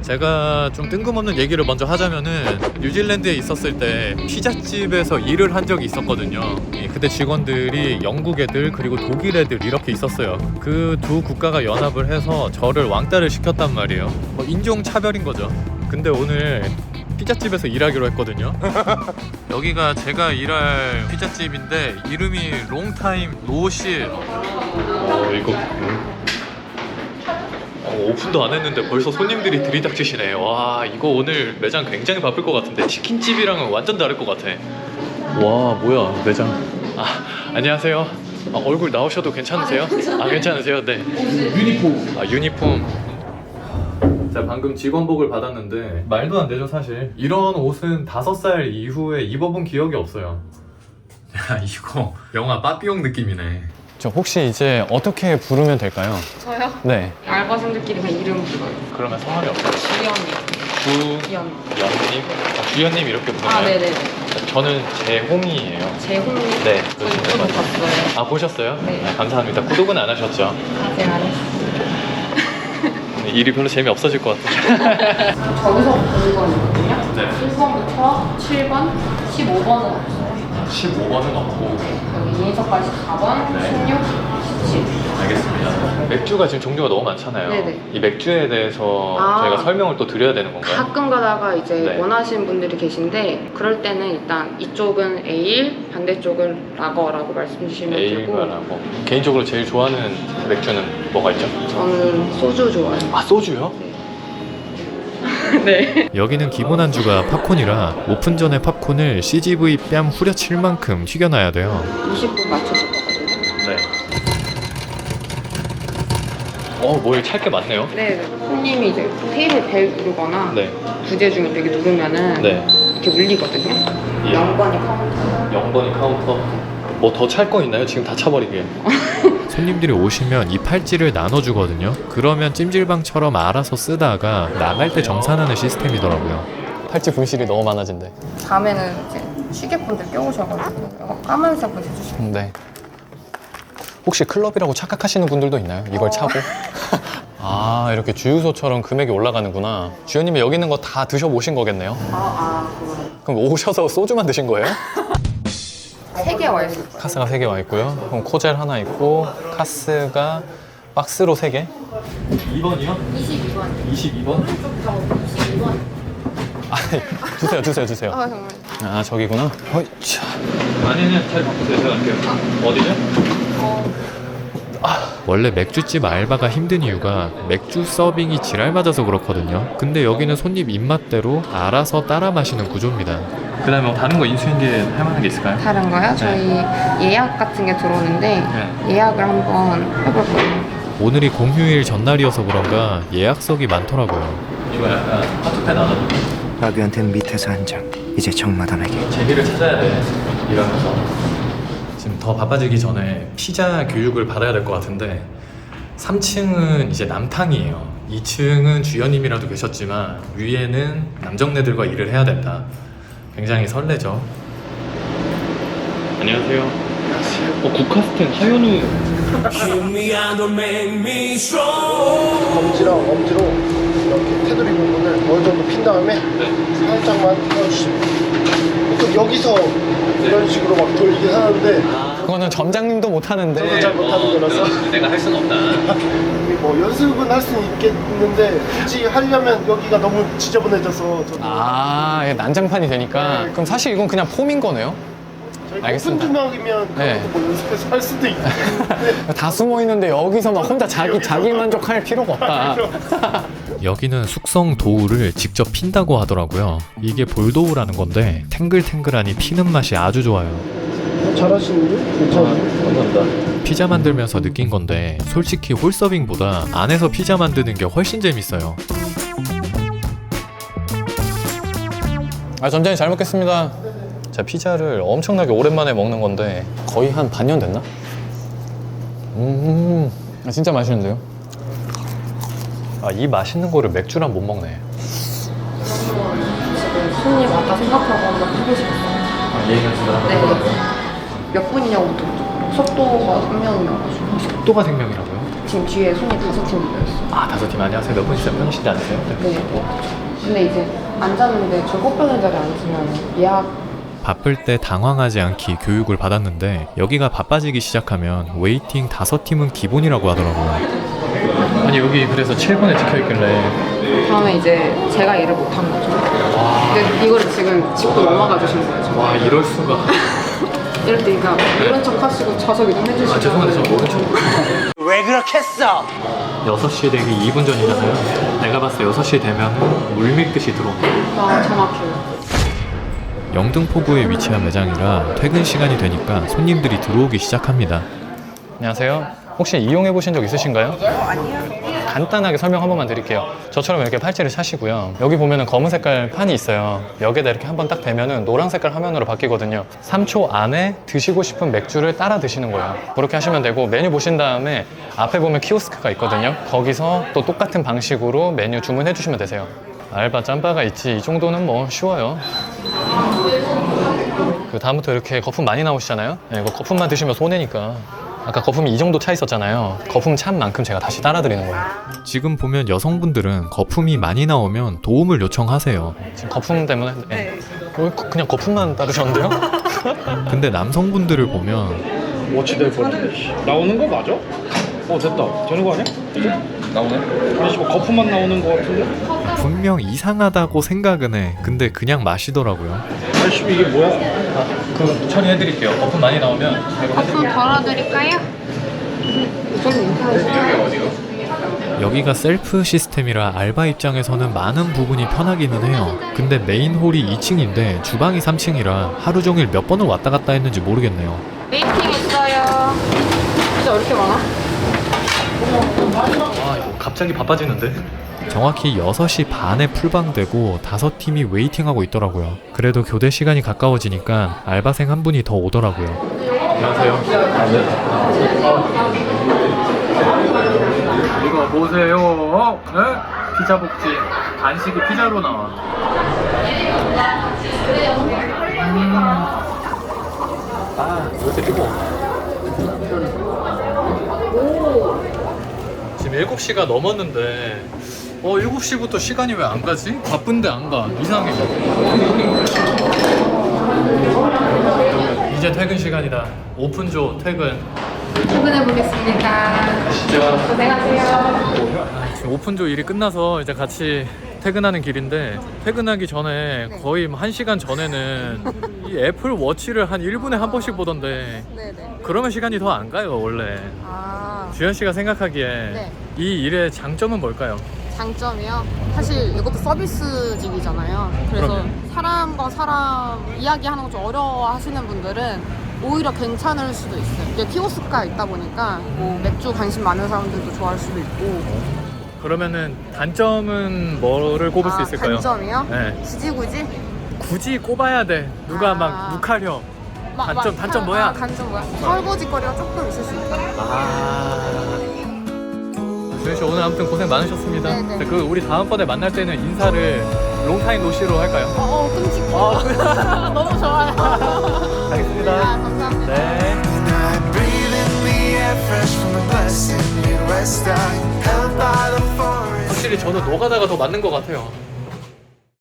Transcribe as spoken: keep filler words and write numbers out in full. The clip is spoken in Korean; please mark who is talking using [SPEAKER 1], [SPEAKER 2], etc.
[SPEAKER 1] 제가 좀 뜬금없는 얘기를 먼저 하자면은 뉴질랜드에 있었을 때 피자집에서 일을 한 적이 있었거든요. 예, 그때 직원들이 영국 애들 그리고 독일 애들 이렇게 있었어요. 그 두 국가가 연합을 해서 저를 왕따를 시켰단 말이에요. 뭐 인종차별인 거죠. 근데 오늘 피자집에서 일하기로 했거든요. 여기가 제가 일할 피자집인데 이름이 롱타임 노실. 어 이거 어, 오픈도 안 했는데 벌써 손님들이 들이닥치시네. 와 이거 오늘 매장 굉장히 바쁠 것 같은데 치킨집이랑은 완전 다를 것 같아. 와 뭐야 매장. 아 안녕하세요. 아, 얼굴 나오셔도 괜찮으세요? 아 괜찮으세요? 네. 유니폼. 아 유니폼. 제가 방금 직원복을 받았는데 말도 안 되죠 사실. 이런 옷은 다섯 살 이후에 입어본 기억이 없어요. 야 이거 영화 빠삐용 느낌이네.
[SPEAKER 2] 저 혹시 이제 어떻게 부르면 될까요?
[SPEAKER 3] 저요?
[SPEAKER 2] 네.
[SPEAKER 3] 알바생들끼리 그냥 이름 불러요.
[SPEAKER 1] 그러면 성함이 없어요?
[SPEAKER 3] 주연님.
[SPEAKER 1] 주연님?
[SPEAKER 3] 주연.
[SPEAKER 1] 아, 주연님 이렇게 부르나요?
[SPEAKER 3] 아, 네네네.
[SPEAKER 1] 저는 재홍이에요.
[SPEAKER 3] 재홍님.
[SPEAKER 1] 네.
[SPEAKER 3] 저희 구독 봤어요.
[SPEAKER 1] 아 보셨어요?
[SPEAKER 3] 네.
[SPEAKER 1] 아, 감사합니다. 구독은 안 하셨죠?
[SPEAKER 3] 아직 안 했어요.
[SPEAKER 1] 일이 별로 재미없어질 것 같아요.
[SPEAKER 3] 저기서부터 일 번이거든요.
[SPEAKER 1] 네.
[SPEAKER 3] 일 번부터 칠 번, 십오 번은 없어요.
[SPEAKER 1] 십오 번은 없고.
[SPEAKER 3] 여기 이인석까지 사 번,
[SPEAKER 1] 네.
[SPEAKER 3] 십육, 십칠.
[SPEAKER 1] 알겠습니다. 맥주가 지금 종류가 너무 많잖아요.
[SPEAKER 3] 네네.
[SPEAKER 1] 이 맥주에 대해서
[SPEAKER 3] 아.
[SPEAKER 1] 저희가 설명을 또 드려야 되는 건가요?
[SPEAKER 3] 가끔 가다가 이제
[SPEAKER 1] 네.
[SPEAKER 3] 원하시는 분들이 계신데 그럴 때는 일단 이쪽은 에일, 반대쪽은 라거라고 말씀 주시면 되고
[SPEAKER 1] 에일바라고. 개인적으로 제일 좋아하는 맥주는 뭐가 있죠?
[SPEAKER 3] 저는 소주 좋아해요.
[SPEAKER 1] 아 소주요?
[SPEAKER 3] 네.
[SPEAKER 1] 여기는 기본 안주가 팝콘이라 오픈 전에 팝콘을 씨지브이 뺨 후려칠 만큼 튀겨놔야 돼요.
[SPEAKER 3] 이십 분 맞춰줄 거거든요.
[SPEAKER 1] 네. 어, 뭐 찰 게 많네요.
[SPEAKER 3] 네. 손님이 이제 테이블 벨 누르거나
[SPEAKER 1] 네.
[SPEAKER 3] 부재 중에 이렇게 누르면은
[SPEAKER 1] 네.
[SPEAKER 3] 이렇게 울리거든요.
[SPEAKER 1] 예.
[SPEAKER 3] 영 번이 카운터.
[SPEAKER 1] 영 번이 카운터. 뭐 더 찰 거 있나요? 지금 다 차버리게. 손님들이 오시면 이 팔찌를 나눠주거든요. 그러면 찜질방처럼 알아서 쓰다가 나갈 때 정산하는 시스템이더라고요.
[SPEAKER 2] 팔찌 분실이 너무 많아진대.
[SPEAKER 3] 밤에는 이제 시계분들 껴오셔가지고 이거 까만색 분 해주시면
[SPEAKER 2] 네. 혹시 클럽이라고 착각하시는 분들도 있나요? 이걸 차고? 아 이렇게 주유소처럼 금액이 올라가는구나. 주연님이 여기 있는 거 다 드셔보신 거겠네요?
[SPEAKER 3] 아, 아, 그거.
[SPEAKER 2] 그럼 오셔서 소주만 드신 거예요?
[SPEAKER 3] 세 개 와 있을 거예요.
[SPEAKER 2] 카스가 세 개 와 있고요. 그럼 코젤 하나 있고 카스가 박스로 세 개.
[SPEAKER 1] 이 번이요?
[SPEAKER 3] 이십이 번.
[SPEAKER 1] 이십이 번?
[SPEAKER 3] 이십이 번.
[SPEAKER 2] 아니 주세요 주세요 주세요.
[SPEAKER 3] 아, 정말.
[SPEAKER 2] 아 저기구나. 어이, 차.
[SPEAKER 1] 아니면 잘 바꾸세요. 제가 갈게요. 어디죠?
[SPEAKER 3] 어,
[SPEAKER 1] 원래 맥주집 알바가 힘든 이유가 맥주 서빙이 지랄 맞아서 그렇거든요. 근데 여기는 손님 입맛대로 알아서 따라 마시는 구조입니다. 그 다음에 뭐 다른 거 인수인계 할 만한 게 있을까요?
[SPEAKER 3] 다른 거요? 저희 예약 같은 게 들어오는데
[SPEAKER 1] 네.
[SPEAKER 3] 예약을 한번 해볼 거예요.
[SPEAKER 1] 오늘이 공휴일 전날이어서 그런가 예약석이 많더라고요. 이거 약간 하트펜 안 하죠?
[SPEAKER 4] 라비한테는 밑에서 한 장, 이제 정마담에게.
[SPEAKER 1] 재미를 찾아야 돼. 이러면서. 지금 더 바빠지기 전에 피자 교육을 받아야 될 것 같은데 삼 층은 이제 남탕이에요. 이 층은 주연님이라도 계셨지만 위에는 남정네들과 일을 해야 된다. 굉장히 설레죠. 안녕하세요. 어, 국카스텐 하현우.
[SPEAKER 5] 검지랑 엄지로 이렇게 테두리 부분을 어느 정도 핀 다음에
[SPEAKER 1] 네.
[SPEAKER 5] 살짝만 펴주시면 보통 여기서 이런 식으로 막 돌리긴 하는데
[SPEAKER 2] 그거는 점장님도 못
[SPEAKER 5] 저도
[SPEAKER 2] 하는데.
[SPEAKER 5] 잘 못하는 거라서
[SPEAKER 1] 내가 할 수는 없다.
[SPEAKER 5] 뭐 연습은 할 수는 있겠는데 굳이 하려면 여기가 너무 지저분해져서 저도
[SPEAKER 2] 아 이게 난장판이 되니까. 그럼 사실 이건 그냥 폼인 거네요?
[SPEAKER 5] 저희
[SPEAKER 2] 알겠습니다.
[SPEAKER 5] 오픈 주막이면
[SPEAKER 2] 네.
[SPEAKER 5] 그것도 뭐 연습해서 할 수도 있겠는데
[SPEAKER 2] 다 숨어 있는데 여기서 막 혼자 자기 자기 만족할 필요가 없다.
[SPEAKER 1] 여기는 숙성 도우를 직접 핀다고 하더라고요. 이게 볼도우라는 건데 탱글탱글하니 피는 맛이 아주 좋아요.
[SPEAKER 5] 잘하시는데? 괜찮아요?
[SPEAKER 1] 감사합니다. 피자 만들면서 느낀 건데 솔직히 홀서빙보다 안에서 피자 만드는 게 훨씬 재밌어요.
[SPEAKER 2] 아 점장님 잘 먹겠습니다. 제가 피자를 엄청나게 오랜만에 먹는 건데 거의 한 반년 됐나? 음, 아, 진짜 맛있는데요?
[SPEAKER 1] 아, 이 맛있는 거를 맥주랑 못 먹네.
[SPEAKER 3] 지금 손님 왔다 생각하고 한번 해보시겠어요?
[SPEAKER 1] 아, 얘 연습을 한번
[SPEAKER 3] 네.
[SPEAKER 1] 해볼까요?
[SPEAKER 3] 몇 분이냐고 묻죠. 속도가 한 명이어가지고.
[SPEAKER 1] 속도가 생명이라고요?
[SPEAKER 3] 팀 뒤에 손이 다섯 팀 모여있어요.
[SPEAKER 1] 아 다섯 팀 안녕하세요. 몇 분이세요? 편의실에 앉으세요?
[SPEAKER 3] 네. 근데 이제 앉았는데 저 꽃병의 자리에 앉으면 예약
[SPEAKER 1] 바쁠 때 당황하지 않기 교육을 받았는데 여기가 바빠지기 시작하면 웨이팅 다섯 팀은 기본이라고 하더라고요. 아니 여기 그래서 칠 번에 찍혀있길래
[SPEAKER 3] 다음에 이제 제가 일을 못한 거죠. 근데 이거를 지금 짚고 넘어가 주신 거예요. 저는.
[SPEAKER 1] 와 이럴 수가.
[SPEAKER 3] 이럴 때 그러니까 이런 척 하시고 좌석 이동해주시고.
[SPEAKER 1] 아 죄송한데 저 모른 척.
[SPEAKER 4] 왜 그렇게 했어?
[SPEAKER 1] 여섯 시에 되기 이 분 전이잖아요. 내가 봤을 때 여섯 시 되면은 물밀듯이 들어온다.
[SPEAKER 3] 아 정확해요.
[SPEAKER 1] 영등포구에 위치한 매장이라 퇴근 시간이 되니까 손님들이 들어오기 시작합니다.
[SPEAKER 2] 안녕하세요. 혹시 이용해 보신 적 있으신가요? 아니요. 간단하게 설명 한 번만 드릴게요. 저처럼 이렇게 팔찌를 차시고요. 여기 보면은 검은 색깔 판이 있어요. 여기에다 이렇게 한번 딱 대면은 노란 색깔 화면으로 바뀌거든요. 삼 초 안에 드시고 싶은 맥주를 따라 드시는 거예요. 그렇게 하시면 되고 메뉴 보신 다음에 앞에 보면 키오스크가 있거든요. 거기서 또 똑같은 방식으로 메뉴 주문해 주시면 되세요. 알바 짬바가 있지 이 정도는 뭐 쉬워요. 그 다음부터 이렇게 거품 많이 나오시잖아요. 네, 이거 거품만 드시면 손해니까. 아까 거품이 이 정도 차 있었잖아요. 거품 찬 만큼 제가 다시 따라 드리는 거예요.
[SPEAKER 1] 지금 보면 여성분들은 거품이 많이 나오면 도움을 요청하세요.
[SPEAKER 2] 지금 거품 때문에 네. 왜 그냥 거품만 따르셨는데요?
[SPEAKER 1] 근데 남성분들을 보면
[SPEAKER 5] 워치될 것 같은데. 나오는 거 맞아? 어 됐다. 되는 거 아니야? 이제? 나오네? 아니 뭐 거품만 나오는 거 같은데?
[SPEAKER 1] 분명 이상하다고 생각은 해. 근데 그냥 마시더라고요.
[SPEAKER 5] 아이씨 이게 뭐야?
[SPEAKER 2] 아, 그 처리해드릴게요. 거품 많이 나오면
[SPEAKER 3] 거품 덜어드릴까요? 저는 인터넷
[SPEAKER 1] 여기가 셀프 시스템이라 알바 입장에서는 많은 부분이 편하기는 해요. 근데 메인 홀이 이 층인데 주방이 삼 층이라 하루 종일 몇 번을 왔다 갔다 했는지 모르겠네요.
[SPEAKER 3] 웨이팅 있어요. 진짜 왜 이렇게 많아?
[SPEAKER 2] 아 이거 갑자기 바빠지는데?
[SPEAKER 1] 정확히 여섯 시 반에 풀방되고 다섯 팀이 웨이팅하고 있더라고요. 그래도 교대 시간이 가까워지니까 알바생 한 분이 더 오더라고요.
[SPEAKER 2] 안녕하세요. 이거 보세요. 네? 피자 복지. 간식이 피자로 나와. 음. 아, 왜 이렇게 뜨거워? 지금 일곱 시가 넘었는데 어 일곱 시부터 시간이 왜 안 가지? 바쁜데 안 가. 이상해. 이제 퇴근 시간이다. 오픈조 퇴근.
[SPEAKER 3] 출근해 보겠습니다.
[SPEAKER 2] 가시죠.
[SPEAKER 3] 고생하세요.
[SPEAKER 2] 지금 오픈조 일이 끝나서 이제 같이 퇴근하는 길인데 퇴근하기 전에 거의 한 시간 전에는 이 애플 워치를 한 일 분에 한 번씩 보던데
[SPEAKER 6] 네네.
[SPEAKER 2] 그러면 시간이 더 안 가요 원래.
[SPEAKER 6] 아,
[SPEAKER 2] 주현 씨가 생각하기에
[SPEAKER 6] 네.
[SPEAKER 2] 이 일의 장점은 뭘까요?
[SPEAKER 6] 장점이요? 사실 이것도 서비스직이잖아요. 그래서
[SPEAKER 2] 그럼요.
[SPEAKER 6] 사람과 사람 이야기하는 거 좀 어려워 하시는 분들은 오히려 괜찮을 수도 있어요. 이게 키오스크가 있다 보니까 뭐 맥주 관심 많은 사람들도 좋아할 수도 있고.
[SPEAKER 2] 그러면은 단점은 뭐를 꼽을 수
[SPEAKER 6] 아,
[SPEAKER 2] 있을까요?
[SPEAKER 6] 단점이요?
[SPEAKER 2] 네.
[SPEAKER 6] 굳이 굳이?
[SPEAKER 2] 굳이 꼽아야 돼. 누가
[SPEAKER 6] 아.
[SPEAKER 2] 막 욱하려.
[SPEAKER 6] 막-
[SPEAKER 2] 단점,
[SPEAKER 6] 막-
[SPEAKER 2] 단점
[SPEAKER 6] 아,
[SPEAKER 2] 뭐야?
[SPEAKER 6] 단점 뭐야? 설거지거리가 조금 있을 수 있다.
[SPEAKER 2] 아. 주현 씨 오늘 아무튼 고생 많으셨습니다.
[SPEAKER 6] 네네.
[SPEAKER 2] 자, 그 우리 다음번에 만날 때는 인사를 롱타임 노시로 할까요?
[SPEAKER 6] 어, 어 끔찍해.
[SPEAKER 2] 아,
[SPEAKER 6] 너무 좋아요.
[SPEAKER 2] 알겠습니다.
[SPEAKER 6] 아, 감사합니다.
[SPEAKER 2] 네.
[SPEAKER 7] I breathe in the air fresh from the blessed Midwest. I held by the forest.
[SPEAKER 2] 확실히 저는 노가다가 더 맞는 것 같아요.